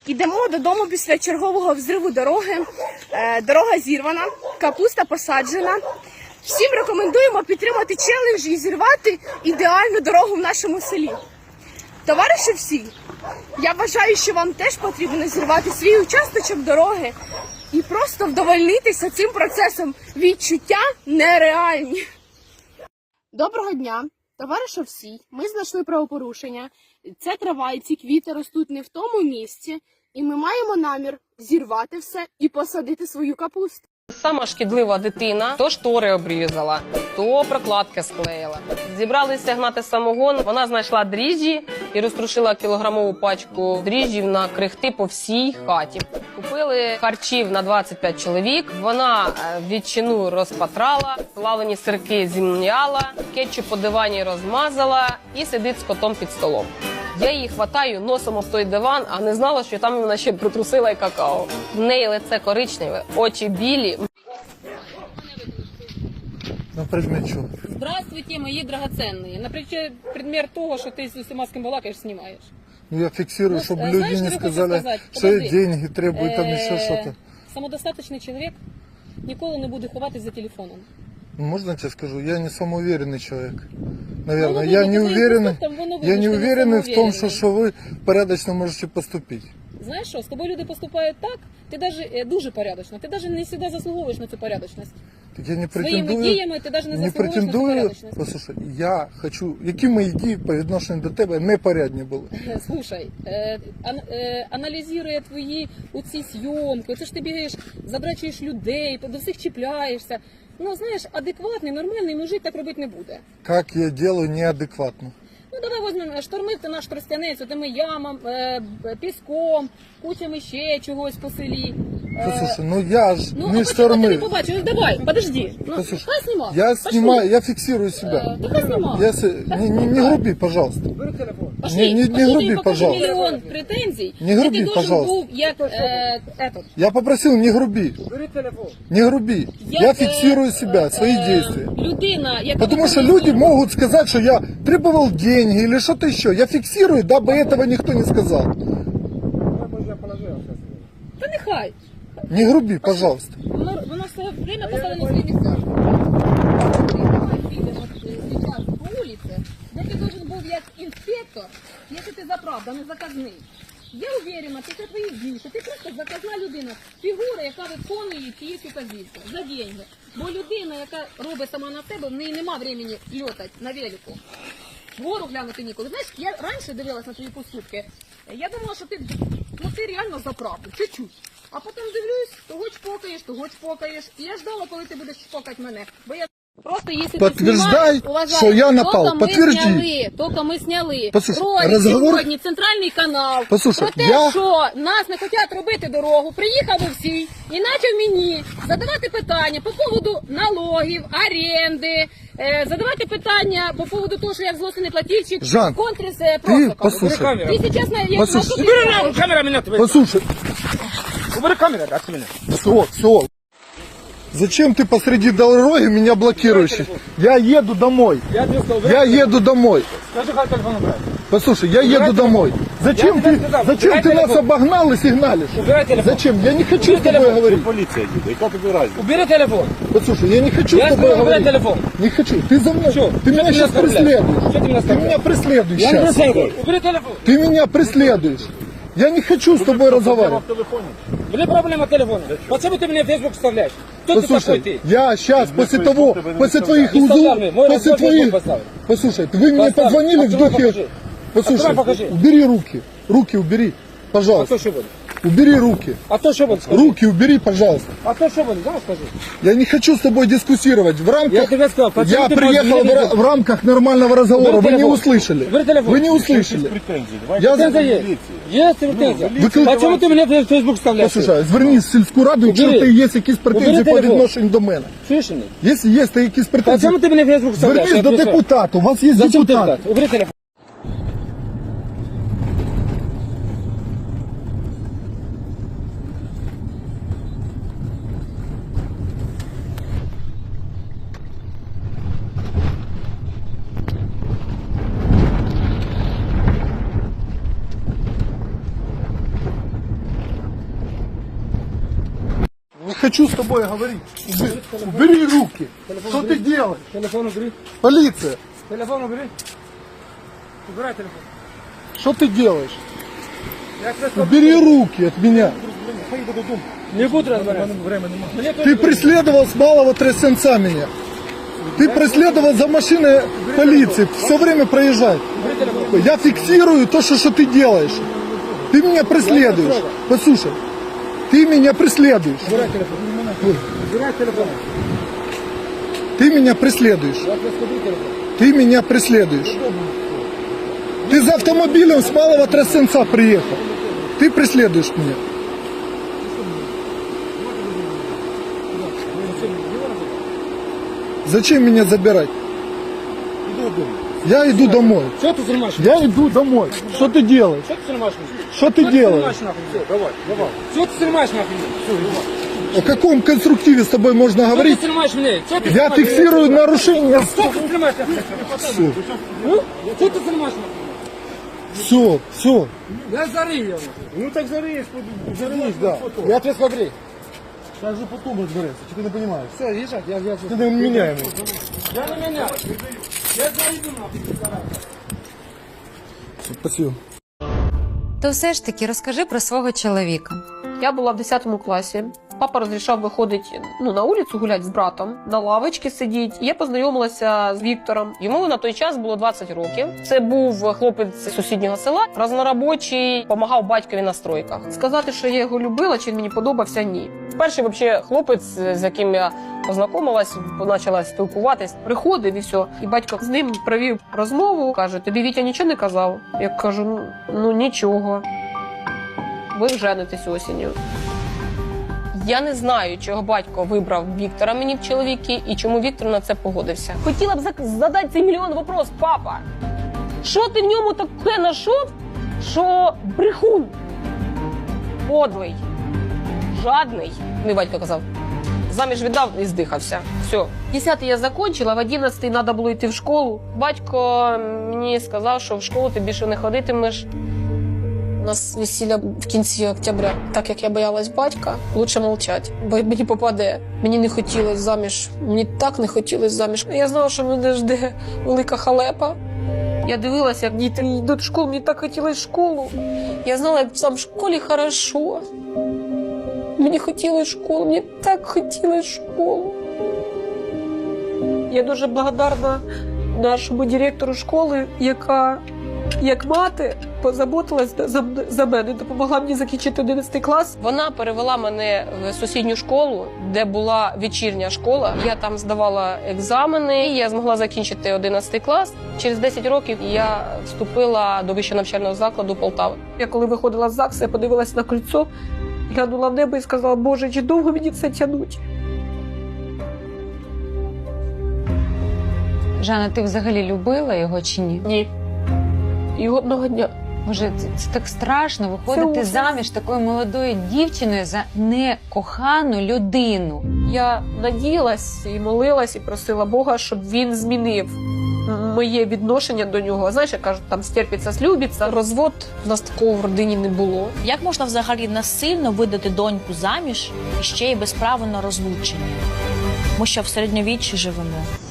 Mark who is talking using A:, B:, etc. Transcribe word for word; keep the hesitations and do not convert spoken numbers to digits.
A: Йдемо додому після чергового взриву дороги. Е, дорога зірвана, капуста посаджена. Всім рекомендуємо підтримати челендж і зірвати ідеальну дорогу в нашому селі. Товариші всі, я вважаю, що вам теж потрібно зірвати свій участочок дороги і просто вдовольнитися цим процесом. Відчуття нереальні. Доброго дня, товариші всі. Ми знайшли правопорушення. Ця трава і ці квіти ростуть не в тому місці, і ми маємо намір зірвати все і посадити свою капусту.
B: Сама шкідлива дитина то штори обрізала, то прокладки склеїла. Зібралися гнати самогон, вона знайшла дріжджі і розтрушила кілограмову пачку дріжджів на крихти по всій хаті. Купили харчів на двадцять п'ять чоловік, вона ветчину розпатрала, плавлені сирки зім'яла, кетчуп по дивані розмазала і сидить з котом під столом. Я її хватаю, носом об той диван, а не знала, що там вона ще притрусила і какао. В неї лице коричневе, очі білі.
C: На предмет чого?
D: Здравствуйте, мої драгоценні. Наприклад, предмет того, що ти з усіма з ким балакаєш, знімаєш.
C: Ну я фиксирую,
D: Ну,
C: чтобы
D: знаешь,
C: люди
D: что
C: не
D: я
C: сказали,
D: хочу сказать?
C: что я
D: Подожди.
C: деньги требую, там еще
D: Е,
C: что-то.
D: Самодостаточний чоловік ніколи не буде ховатись за телефоном.
C: Ну, можно я тебе скажу? Я не самоуверенный человек. Наверное,
D: Ну,
C: я
D: ну,
C: не
D: по твоим
C: уверенный,
D: поступкам вы, ну,
C: я не
D: видно, что не
C: уверенный в том, что,
D: самоуверенный.
C: что вы порядочно можете поступить.
D: Знаєш що, з тобою люди поступають так, ти даже, е, дуже порядочно, ти навіть не завжди заслуговуєш на цю порядочність.
C: Так я не
D: Своїми
C: претендую,
D: діями ти навіть не
C: не
D: заслуговуєш на цю
C: претендую,
D: порядочність.
C: послушай, я хочу, які мої дії по відношенню до тебе непорядні були.
D: Слушай, е, ан, е, аналізує твої оці зйомки, оце ж ти бігаєш, задрачуєш людей, до всіх чіпляєшся. Ну, знаєш, адекватний, нормальний мужик так робити не буде.
C: Как я делаю неадекватно.
D: Ну, давай возьмемо, штормив ти наш Тростянець, тими ямам, е, піском, кучами ще чогось по селі. Е,
C: Послушай, ну я ж
D: ну,
C: не
D: а почему ти не
C: штормив.
D: побачив? Ну, давай, подожди. Ну,
C: Послушай,
D: хай знімав.
C: я
D: Пошли.
C: снимаю, я фиксирую себя.
D: Е, ти хай знімав.
C: Я, с- не, не, не груби, пожалуйста.
D: Пошли,
C: Не- не- не
D: пошли,
C: груби,
D: тобі покажу
C: пожалуйста.
D: мільйон претензій.
C: Не груби,
D: Ти должен
C: пожалуйста.
D: був, як, е, этот,
C: Я попросил, не груби. Не груби. Я,
D: як,
C: фиксирую
D: е,
C: себя, свои
D: е,
C: действия.
D: Людина, яка
C: Потому что
D: виконує
C: люди
D: свою-
C: могут сказать, что я требовал деньги или что-то еще. Я фиксирую, дабы этого никто не сказал.
D: Та нехай.
C: Не груби, пожалуйста.
D: Воно, воно все время поставлено на свої місця. Ти підеш зараз по вулиці, де ти должен був як інспектор, якщо ти заправ, а не заказний. Я уверена, після твоїх дій, що ти просто заказна людина, фігура, яка виконує ті указівки за деньги. Бо людина, яка робить сама на себе, в неї нема времени льотати на велику. Вгору глянути ніколи. Знаєш, я раніше дивилась на твої поступки, я думала, що ти, ну, ти реально за правду, чуть-чуть. А потім дивлюсь, того чпокаєш, того чпокаєш. І я ждала, коли ти будеш чпокати мене. Бо я просто, якщо
C: Подтверждай,
D: ти знімаєш,
C: що я напав.
D: тільки ми
C: Подтверди.
D: зняли, тільки ми зняли.
C: Послухай,
D: Ролик
C: розговор-
D: сьогодні, центральний канал.
C: Послухай,
D: про те,
C: я-
D: що нас не хочуть робити дорогу, приїхав всі і почав мені задавати питання по поводу налогів, оренди, е, задавати питання по поводу того, що я взлосний платільщик,
C: Жан,
D: контріс е,
C: Ты
D: Просаков.
C: послушай,
D: Ти сейчас на я
C: Послушай,
D: на
E: Убери нахуй, камера меня твоя.
C: послушай,
E: Убери камеру от меня.
C: все, все. Зачем ты посреди дороги меня блокируешь? Я еду домой.
E: Я тебе сказал,
C: Я
E: убирай.
C: еду домой.
E: Скажи, как телефон убрать.
C: Послушай, я еду
E: телефон.
C: домой. Зачем
E: Я
C: ты,
E: тебе сказал,
C: зачем
E: убирай
C: ты нас
E: телефон.
C: обогнал и сигналишь?
E: Убирай телефон.
C: Зачем? Я не хочу
E: Убери
C: с тобой
E: телефон.
C: говорить.
F: Полиция едет, яка тобі разница?
E: Убери телефон.
C: Послушай, я не хочу
E: Я
C: с тобой
E: сказал, убирай
C: говорить.
E: телефон.
C: Не хочу. Ты за мной.
E: Чё?
C: Ты
E: Чё
C: меня
E: ты
C: сейчас
E: меня оскорбляешь?
C: преследуешь.
E: Чё ты меня
C: Ты
E: оскорбляешь?
C: меня преследуешь
E: Я не
C: сейчас.
E: знаю. Убери телефон.
C: Ты меня преследуешь. Я не хочу с тобой разговаривать.
F: в телефоні.
E: Убери проблема телефона. Почему ты мне в Facebook вставляешь? Кто ты такой
C: Послушай,
E: ты?
C: я сейчас после
F: Facebook
C: того,
F: тебе не
C: после
F: выставляю.
C: твоих
E: Не
C: узлов,
E: вставляй мне. Мой
C: после
E: разбор
C: твоих...
E: Facebook поставь.
C: Послушай, вы мне
E: Поставь.
C: позвонили в
E: Открой,
C: духе...
E: покажи.
C: Послушай,
E: Открой, покажи.
C: убери руки. Руки убери,
E: А
C: пожалуйста.
E: то что будет?
C: Убери руки.
E: А то что будет? Скажи.
C: Руки убери, пожалуйста.
E: А то что будет? Знаешь, скажи.
C: Я не хочу с тобой дискуссировать. В рамках...
E: Я тебе сказал, почему
C: Я
E: ты
C: приехал
E: можешь
C: в,
E: мне
C: ра- в рамках нормального разговора.
E: Убери
C: Вы не
E: телефон.
C: услышали.
E: Убери телефон.
C: Вы не
F: Якісь
C: услышали.
F: претензії. Давай
C: Я
E: Претензия
C: за-
E: есть.
F: міліції.
E: Есть претензия.
C: Викликай-
E: Почему ты мне в Facebook вставляешь?
C: Послушай, звернись в сільську раду, якщо
E: Убери.
C: ти є якісь претензії
E: Убери
C: по
E: телефон.
C: відношенню до мене.
E: Слышишь меня?
C: Якщо є та якісь претензії,
E: Почему ты мне в Facebook вставляешь?
C: звернись
E: Я
C: до
E: отвечаю.
C: депутата. У вас є
E: Зачем
C: депутат.
E: депутат? Убери телефон.
C: хочу с тобой говорить. Убери, убери руки. Что ты делаешь?
E: Телефон убери.
C: Полиция,
E: Телефон убери. Убирай телефон.
C: что ты делаешь?
E: Я тебе
C: Убери руки от меня.
E: не буду разбираться. Мне
C: Ты преследовал с малого трясенца меня. Ты преследовал за машиной полиции. Все время проезжай. Я фиксирую то, что, что ты делаешь. Ты меня преследуешь. Послушай, ты меня преследуешь.
E: Убирай телефон. Убирай телефон.
C: Ты меня преследуешь.
E: Я тебе скажу телефон.
C: Ты меня преследуешь. Ты за автомобилем с малого трясенца приехал. Ты преследуешь меня. Зачем меня забирать? Я иду домой.
E: Что ты снимаешь?
C: Я иду домой. Что ты делаешь?
E: Что ты снимаешь?
C: Что ты делаешь?
E: Давай, давай. Что ты снимаешь нахуй? Все, давай.
C: О каком конструктиве с тобой можно
E: Что ты
C: говорить?
E: снимаешь меня? Что ты
C: Я
E: снимаешь?
C: фиксирую нарушение.
E: Что ты снимаешь?
C: Все,
E: Ну? Что ты снимаешь нахуй?
C: все, все.
E: Я зарыл его.
C: Ну так зарись, зарись, да.
E: Я тебе скажу.
C: Я же потом разбираюсь, что ты не понимаешь.
E: Все, езжай, я, я,
C: Ты меняемый.
E: я на меня. Я зарыл нахуй.
C: Спасибо.
G: То все ж таки розкажи про свого чоловіка.
B: Я була в десятому класі. Папа розрішав виходити ну, на вулицю гуляти з братом, на лавочці сидіти. І я познайомилася з Віктором. Йому на той час було двадцять років. Це був хлопець з сусіднього села, разноробочий, допомагав батькові на стройках. Сказати, що я його любила, чи він мені подобався, ні. Перший взагалі хлопець, з яким я познайомилась, почала спілкуватись, приходив і все. І батько з ним провів розмову, каже, тобі Вітя нічого не казав? Я кажу, ну, ну нічого. Ви женитесь осінню. Я не знаю, чого батько вибрав Віктора мені в чоловіки і чому Віктор на це погодився. Хотіла б зак- задати цей мільйон вопрос, папа. Що ти в ньому таке знайшов, що брехун? Подлий, жадний, мій батько казав. Заміж віддав і здихався. Все. Десятий я закінчила, в одинадцятий треба було йти в школу. Батько мені сказав, що в школу ти більше не ходитимеш. У нас весілля в кінці октября. Так як я боялась батька, лучше мовчати, бо мені попаде. Мені не хотілося заміж, мені так не хотілося заміж. Я знала, що мене жде велика халепа. Я дивилася, як діти йдуть в школу, мені так хотілося в школу. Я знала, як там в школі хорошо. Мені хотілося школу, мені так хотілося школу. Я дуже благодарна нашому директору школи, яка, як мати, позаботилась за, за мене, допомогла мені закінчити одинадцятий клас. Вона перевела мене в сусідню школу, де була вечірня школа. Я там здавала екзамени, і я змогла закінчити одинадцятий клас. Через десять років я вступила до вищого навчального закладу Полтави. Я коли виходила з ЗАГСу, я подивилася на кольцо, глянула в небо і сказала, Боже, чи довго мені це тягнуть?
G: Жанна, ти взагалі любила його чи ні?
B: Ні. І одного дня.
G: Боже, це, це так страшно виходити
B: ужас.
G: заміж такою молодою дівчиною за некохану людину.
B: Я надіялась і молилась, і просила Бога, щоб він змінив моє відношення до нього. Знаєш, як кажуть, там стерпиться, слюбиться. Розвод у нас такого в родині не було.
H: Як можна взагалі насильно видати доньку заміж і ще й без права на розлучення? Ми що в середньовіччі живемо?